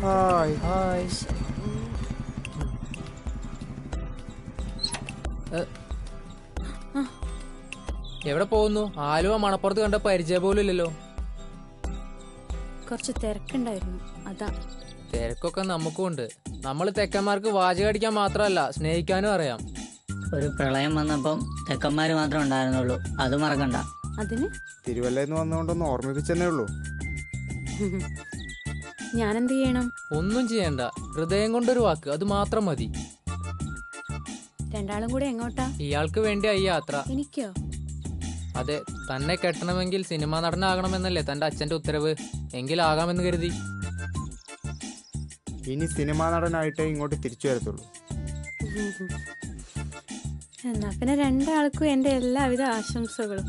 Hi hi. എവിടെ പോകുന്നു? ആലുവ മണപ്പുറത്ത് കണ്ട പരിചയം പോലും ഇല്ലല്ലോ. കുറച്ച് തിരക്കുണ്ടായിരുന്നു, അതാ. തിരക്കൊക്കെ നമുക്കും ഉണ്ട്. നമ്മൾ തെക്കന്മാർക്ക് വാചകം അടിക്കാൻ മാത്രമല്ല, സ്നേഹിക്കാനും അറിയാം. ഒരു പ്രളയം വന്നപ്പം തെക്കന്മാര് മാത്രം ഉണ്ടായിരുന്നുള്ളൂ, അത് മറക്കണ്ട. അതിന് തിരുവല്ലന്ന് വന്നുകൊണ്ടൊന്ന് ഓർമ്മിപ്പിച്ചെന്നേ ഉള്ളൂ. ഞാനെന്ത് ചെയ്യണം? ഒന്നും ചെയ്യണ്ട, ഹൃദയം കൊണ്ടൊരു വാക്ക്, അത് മാത്രം മതി. രണ്ടാളും കൂടെ എങ്ങോട്ടാ? ഇയാൾക്ക് വേണ്ടിയാ ഈ യാത്ര. എനിക്കോ? അതെ, തന്നെ കെട്ടണമെങ്കിൽ സിനിമാ നടനാകണമെന്നല്ലേ തന്റെ അച്ഛന്റെ ഉത്തരവ്. എങ്കിലാകാമെന്ന് കരുതി. ഇനി സിനിമാ നടനായിട്ടേ ഇങ്ങോട്ട് തിരിച്ചു വരത്തുള്ളൂ. എന്നാ പിന്നെ രണ്ടാൾക്കും എന്റെ എല്ലാവിധ ആശംസകളും.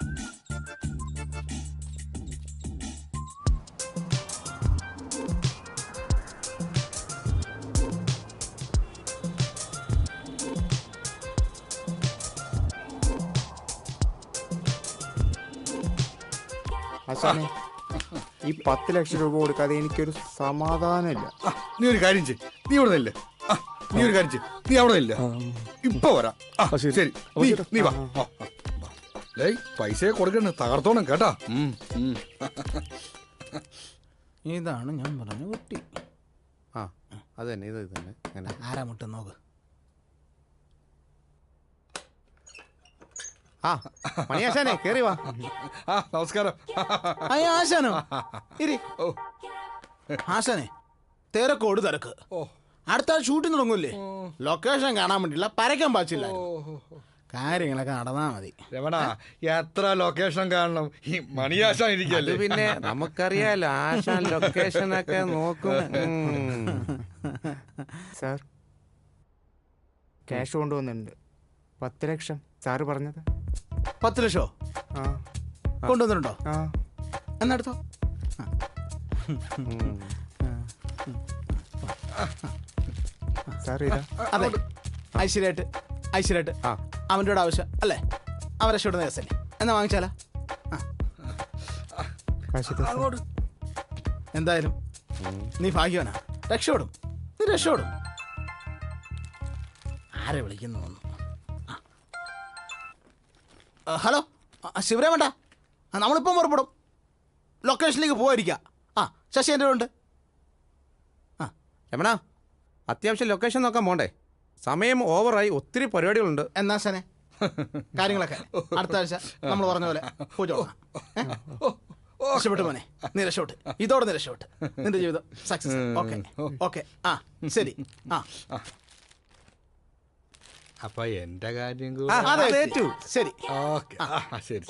ആശാനെ, ഈ 10 ലക്ഷം രൂപ കൊടുക്കാതെ എനിക്കൊരു സമാധാനമില്ല. നീ ഒരു കാര്യം ചെയ്യ്, നീ ഇവിടെ നില്ല. നീ ഒരു കാര്യം ചെയ്യ്, നീ അവിടെ നില്ല. ഇപ്പൊ വരാം. ശരി, നീ വാ. പൈസ കൊടുക്കണ തകർത്തോണം കേട്ടാ. ഇതാണ് ഞാൻ പറഞ്ഞ കുട്ടി. ആ, അത് തന്നെ, ഇത് തന്നെ. അങ്ങനെ ആരാ മുട്ട നോക്ക്. ആ മണിയാശാനെ, കേറി വാ. നമസ്കാരം. ആശാനോ? ഇരി. ആശാനെ, തിരക്കോട് തിരക്ക്. അടുത്ത ഷൂട്ടിംഗ് തുടങ്ങൂല്ലേ? ലൊക്കേഷൻ കാണാൻ വേണ്ടിയില്ല, പരക്കാൻ പാച്ചില്ല. കാര്യങ്ങളൊക്കെ നടന്നാ മതി. രമണ, എത്ര ലൊക്കേഷൻ കാണണം? ഈ മണിയാശാൻ ഇരിക്കല്ലേ. പിന്നെ നമുക്കറിയാലോ, ആശാൻ ലൊക്കേഷനൊക്കെ നോക്കും. സാർ, ക്യാഷ് കൊണ്ടുവന്നിട്ടുണ്ട്. 10 ലക്ഷം സാറ് പറഞ്ഞത്. 10 ലക്ഷോ ആ കൊണ്ടുവന്നിട്ടുണ്ടോ? ആ എന്നെടുത്തോ. സാർ ഇതാ. അതെ, ഐശ്വര്യമായിട്ട് ആ അവൻ്റെ കൂടെ ആവശ്യം അല്ലേ? അവൻ രക്ഷപ്പെടുന്ന കേസല്ലേ? എന്നാ വാങ്ങിച്ചാലാ? കാശ് ഇതാ സാർ. എന്തായാലും നീ ഭാഗ്യവാനാ, രക്ഷപ്പെടും. നീ രക്ഷപ്പെടും. ആരെ വിളിക്കുന്നു? ഹലോ, ശിവരാമേണ്ട, നമ്മളിപ്പം പുറപ്പെടും. ലൊക്കേഷനിലേക്ക് പോയിരിക്കാം. ആ, ശശി എൻ്റെ ഉണ്ട്. രമണ, അത്യാവശ്യം ലൊക്കേഷൻ നോക്കാൻ പോണ്ടേ? സമയം ഓവറായി, ഒത്തിരി പരിപാടികളുണ്ട്. എന്നാ ശനെ, കാര്യങ്ങളൊക്കെ അടുത്ത ആഴ്ച നമ്മൾ പറഞ്ഞ പോലെ പൂജ തുടങ്ങാം. രക്ഷപ്പെട്ടു മോനെ, നീ രക്ഷപ്പെട്ട്, ഇതോടെ നീ രക്ഷപ്പെട്ട്, നിന്റെ ജീവിതം സക്സസ്. Okay okay. ആ ശരി. ആ അപ്പൊ എന്റെ കാര്യം അതെ, ശരി. ഓക്കെ, ശരി.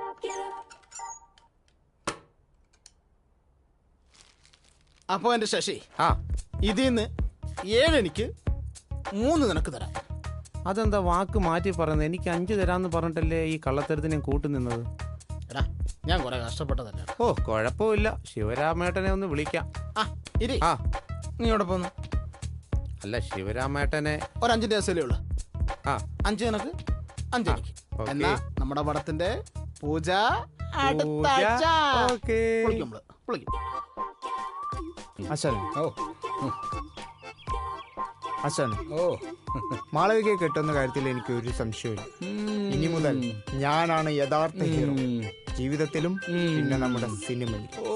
അപ്പൊ എന്റെ ശശി, ആ, ഇതിന്ന് 7 എനിക്ക് 3 നിനക്ക് തരാം. അതെന്താ വാക്ക് മാറ്റി പറയുന്നത്? എനിക്ക് 5 തരാന്ന് പറഞ്ഞിട്ടല്ലേ ഈ കള്ളത്തരത്തിന് ഞാൻ കൂട്ടുനിന്നത്. എടാ, ഞാൻ കുറെ കഷ്ടപ്പെട്ടതല്ലേ. ഓ, കുഴപ്പമില്ല, ശിവരാമേട്ടനെ ഒന്ന് വിളിക്കാം. ആ ഇരി. ആ, നീ ഇവിടെ പോന്നു. അല്ല, ശിവരാമേട്ടനെ ഒരു 5 ദിവസമല്ലേ ഉള്ളു. ആ, 5 നിനക്ക്, 5 എനിക്ക്. ഓക്കേ. എന്നാ നമ്മുടെ പടത്തിന്റെ പൂജ അടുത്ത പൂജ, ആഴ്ച. ഓക്കേ. വിളിക്കും നമ്മള്, വിളിക്കും. ആശാനെ, ഓ ആശാനെ, ഓ മാളവികയെ കെട്ടുന്ന കാര്യത്തിൽ എനിക്ക് ഒരു സംശയമില്ല. ഇനി മുതൽ ഞാനാണ് യഥാർത്ഥ ഹീറോ, ജീവിതത്തിലും പിന്നെ നമ്മുടെ സിനിമയിൽ. ഓ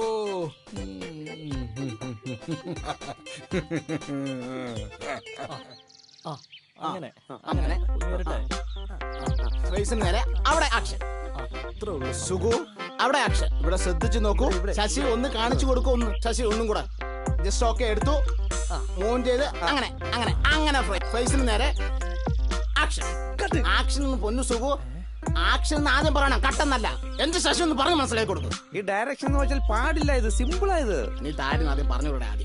അങ്ങനെ ഫേസിന് നേരെ അവിടെ ആക്ഷൻ. സുഖു അവിടെ ആക്ഷൻ. ഇവിടെ ശ്രദ്ധിച്ചു നോക്കൂ. ശശി ഒന്ന് കാണിച്ചു കൊടുക്കും. ശശി ഒന്നും കൂടെ ജസ്റ്റ് ഓക്കെ എടുത്തു, മൂവ് ചെയ്ത് അങ്ങനെ അങ്ങനെ അങ്ങനെ ഫേസിന് നേരെ ആക്ഷൻ. ആക്ഷൻ പൊന്നു സുഖു, ആക്ഷൻ എന്ന് ആദ്യം പറയണം, കട്ടെന്നല്ല. എന്ത് ശശി ഒന്ന് പറഞ്ഞ് മനസ്സിലാക്കി കൊടുക്കും. ഈ ഡയറക്ഷൻ എന്ന് വെച്ചാൽ പാടില്ല, ഇത് സിമ്പിളായത്. നീ താരം ആദ്യം പറഞ്ഞുകൂടെ ആദ്യം.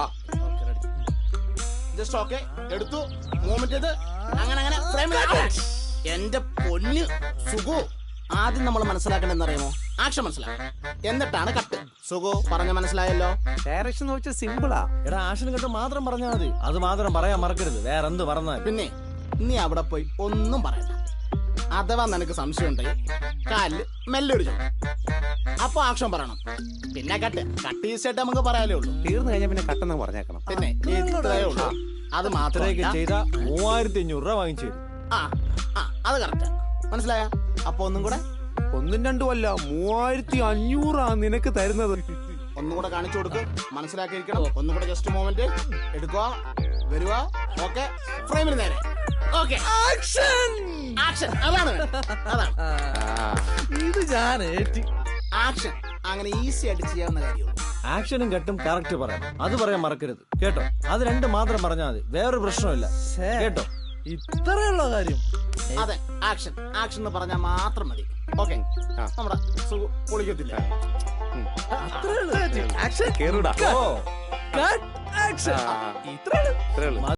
ജസ്റ്റ് ഓക്കെ എടുത്തു, മൂവ്മെന്റ് ചെയ്ത് അങ്ങനെ അങ്ങനെ ഫ്രെയിമിൽ. എന്റെ പൊന്ന് സുഖു, ആദ്യം നമ്മൾ മനസ്സിലാക്കണം എന്നറിയാമോ? ആക്ഷൻ മനസ്സിലാക്കണം, എന്നിട്ടാണ് കട്ട്. സുഖു പറഞ്ഞ മനസ്സിലായല്ലോ? ഡയറക്ഷൻ എന്ന് വെച്ചാൽ സിമ്പിളാ. എടാ, ആക്ഷൻ കണ്ട് മാത്രം പറഞ്ഞാൽ മതി. അത് മാത്രം പറയാൻ മറക്കരുത്, വേറെ എന്ത് പറഞ്ഞാൽ. പിന്നെ നീ അവിടെ പോയി ഒന്നും പറയണ്ട. അഥവാ നിനക്ക് സംശയം ഉണ്ടെങ്കിൽ കാലില് മെല്ലെ ഒരു അപ്പൊ ആക്ഷൻ പറയണം. പിന്നെ കട്ട് ഈസായിട്ട് നമുക്ക് പറയാലേ ഉള്ളൂ. തീർന്നു കഴിഞ്ഞാൽ പിന്നെ കട്ടെന്ന് പറഞ്ഞേക്കണം. പിന്നെ ഇത്രയേ ഉള്ളൂ. അത് ഇത്രയൊക്കെ മാത്രമേ ചെയ്ത 3500 രൂപ വാങ്ങിച്ചു തരും. അത് കറക്റ്റ്. മനസ്സിലായ? അപ്പൊ ഒന്നും കൂടെ 1-2 അല്ല 3500 നിനക്ക് തരുന്നത്. ഒന്നും കൂടെ കാണിച്ചു കൊടുക്കും. മനസ്സിലാക്കിയിരിക്കണം. ഒന്നും കൂടെ ജസ്റ്റ് മൊമെന്റ് എടുക്കുക, വരിക. ഓക്കെ, ഫ്രെയിമിന് നേരെ. Okay, action. അതാണ് അതാണ് ഇത് ഞാൻ ആക്ഷൻ. അങ്ങനെ ഈസി ആയിട്ട് ചെയ്യാവുന്ന കാര്യമുള്ളൂ. ആക്ഷനും കട്ടും കറക്റ്റ് പറയാം. അത് പറയാൻ മറക്കരുത് കേട്ടോ. അത് രണ്ട് മാത്രം പറഞ്ഞാൽ മതി, വേറൊരു പ്രശ്നമില്ല കേട്ടോ. ഇത്രയുള്ള കാര്യം. അതെ, ആക്ഷൻ എന്ന് പറഞ്ഞാൽ മാത്രം മതി. ഓക്കെ, നമ്മുടെ പൊളിക്കത്തില്ല. കേറുടാ. ഓ, കട്ട് ആക്ഷൻ. ഇത്രേ ഉള്ളൂ.